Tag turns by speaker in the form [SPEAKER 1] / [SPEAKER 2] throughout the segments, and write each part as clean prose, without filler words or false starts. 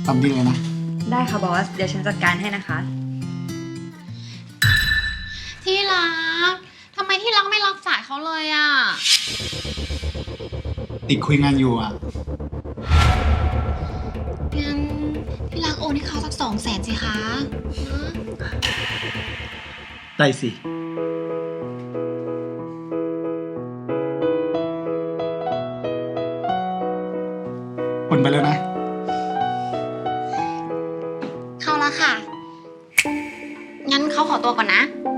[SPEAKER 1] ตามนี้เลยนะ
[SPEAKER 2] ได้ค่ะบอส เดี๋ยวฉันจัดการให้นะคะ
[SPEAKER 3] ที่รักทำไมที่รักไม่รับสายเขาเลยอ่ะ
[SPEAKER 1] ติดคุยงานอยู่อ่ะ
[SPEAKER 3] งั้นที่รักโอนให้เขาสัก200,000สิคะนะ
[SPEAKER 1] ได้สิ คนไปแล้วนะ
[SPEAKER 3] เข้าแล้วค่ะ งั้นเขาขอตัวก่อนนะ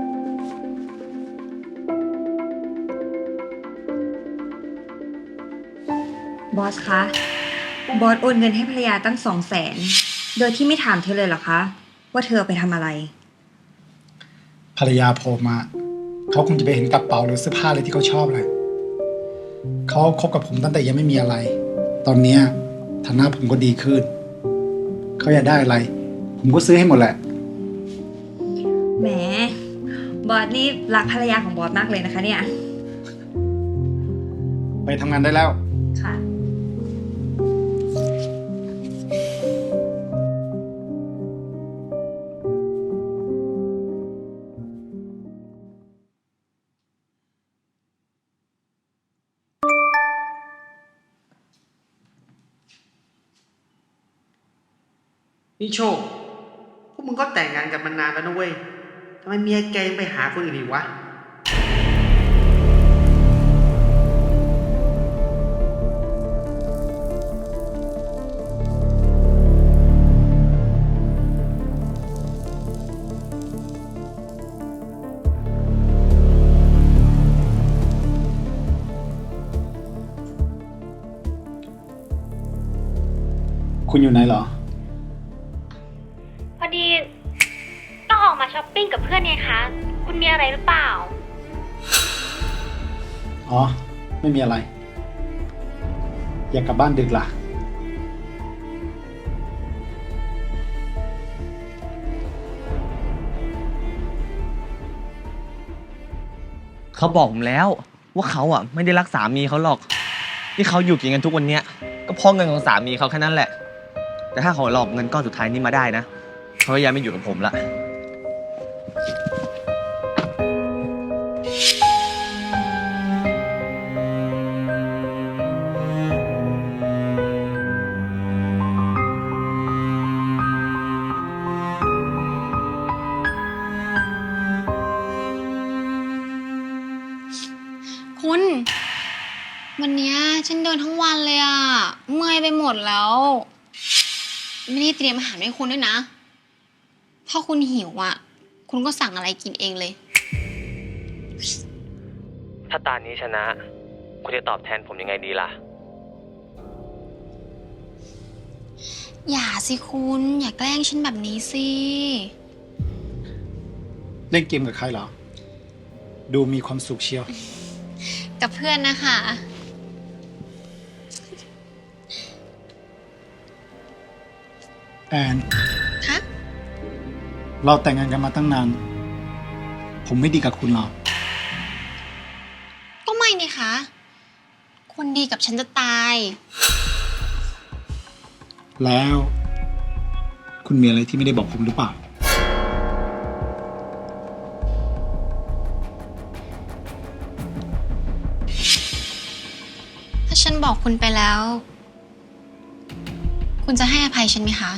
[SPEAKER 2] บอสคะ บอสโอนเงินให้ภรรยาตั้ง200,000โดยที่ไม่ถามเธอเลยเหรอคะ ว่าเธอเอาไปทำอะไร
[SPEAKER 1] ภรรยาผมอ่ะเขาคงจะไปเห็นกระเป๋าหรือเสื้อผ้าอะไรที่เขาชอบเลยเขาคบกับผมตั้งแต่ยังไม่มีอะไร ตอนเนี้ยฐานะผมก็ดีขึ้น เขาอยากได้อะไร ผมก็ซื้อให้หมดแหละ
[SPEAKER 2] แหม บอสนี่รักภรรยาของบอสมากเลยนะคะเนี่ย
[SPEAKER 1] ไปทำงานได้แล้ว
[SPEAKER 2] ค่ะ
[SPEAKER 4] นี่โชค พวกมึงก็แต่งงานกันมานานแล้วนะเว้ย ทำไมเมียแกยังไปหาคนอื่นอีกวะ
[SPEAKER 1] คุณอยู่ไหนเหรอ
[SPEAKER 5] พอดีต้องออกมาช้อปปิ้งกับเพื่อนไงคะ คุณมีอะไรหรือเปล่า
[SPEAKER 1] อ๋อ ไม่มีอะไร อยากกลับบ้านดึกล่ะ
[SPEAKER 6] เขาบอกผมแล้วว่าเขาอ่ะไม่ได้รักสามีเขาหรอกที่เขาอยู่กินกันทุกวันเนี้ยก็เพราะเงินของสามีเขาแค่นั้นแหละ แต่ถ้าเขาหลอกเงินก้อนสุดท้ายนี้มาได้นะเขาก็ยังไม่อยู่กับผมละ
[SPEAKER 3] คุณ วันเนี้ยฉันเดินทั้งวันเลยอ่ะ เมื่อยไปหมดแล้ว ไม่ได้เตรียมอาหารให้คุณด้วยนะ ถ้าคุณหิวอ่ะ คุณก็สั่งอะไรกินเองเลย
[SPEAKER 6] ถ้าตานี้ชนะคุณจะตอบแทนผมยังไงดีล่ะ
[SPEAKER 3] อย่าสิคุณ อย่าแกล้งฉันแบบนี้สิ
[SPEAKER 1] เล่นเกมกับใครเหรอ ดูมีความสุขเชียว
[SPEAKER 3] กับเพื่อนนะคะ
[SPEAKER 1] แอน
[SPEAKER 3] คะ
[SPEAKER 1] เราแต่งงานกันมาตั้งนาน ผมไม่ดีกับคุณหรอก
[SPEAKER 3] ก็ไม่นี่คะคุณดีกับฉันจะตาย
[SPEAKER 1] แล้ว คุณมีอะไรที่ไม่ได้บอกผมหรือเปล่า
[SPEAKER 3] ถ้าฉันบอกคุณไปแล้ว คุณจะให้อภัยฉันไหมคะ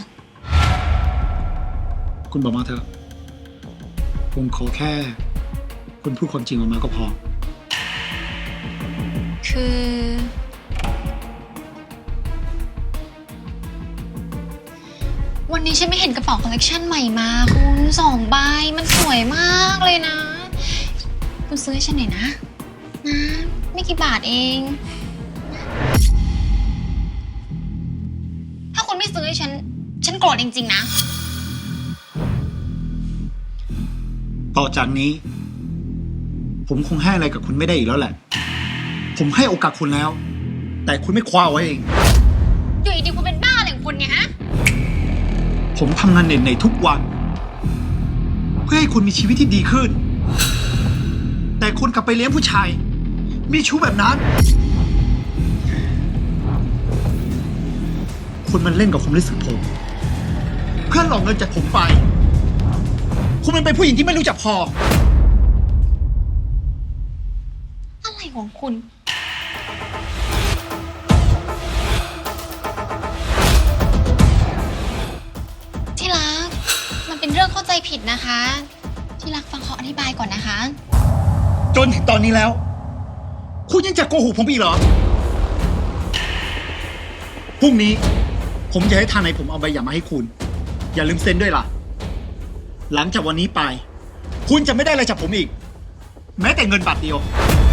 [SPEAKER 1] คุณบอกมาเถอะ ผมขอแค่ คุณพูดความจริงออกมาก็พอ
[SPEAKER 3] คือ วันนี้ฉันไม่เห็นกระเป๋าคอลเลกชันใหม่มาคุณ2 ใบ มันสวยมากเลยนะ คุณซื้อให้ฉันหน่อยนะ นะ ไม่กี่บาทเอง ถ้าคุณไม่ซื้อให้ฉันโกรธจริงๆนะ
[SPEAKER 1] ต่อจากนี้ ผมคงให้อะไรกับคุณไม่ได้อีกแล้วแหละ ผมให้โอกาสคุณแล้ว แต่คุณไม่คว้าเอาไว้เอง
[SPEAKER 3] อยู่ดีๆคุณเป็นบ้าอะไรของคุณเนี่ยฮะ
[SPEAKER 1] ผมทำงานเหนื่อยๆทุกวัน เพื่อให้คุณมีชีวิตที่ดีขึ้น แต่คุณกลับไปเลี้ยงผู้ชาย มีชู้แบบนั้น คุณมันเล่นกับความรู้สึกผมเพื่อหลอกเงินจากผมไป คุณมันเป็นผู้หญิงที่ไม่รู้จักพอ
[SPEAKER 3] อะไรของคุณ ที่รัก มันเป็นเรื่องเข้าใจผิดนะคะ ที่รักฟังเขาอธิบายก่อนนะคะ
[SPEAKER 1] จนถึงตอนนี้แล้ว คุณยังจะโกหกผมอีกเหรอ พรุ่งนี้ ผมจะให้ทางไหนผมเอาใบหย่ามาให้คุณ อย่าลืมเซ็นด้วยล่ะ หลังจากวันนี้ไป คุณจะไม่ได้อะไรจากผมอีก แม้แต่เงินบาทเดียว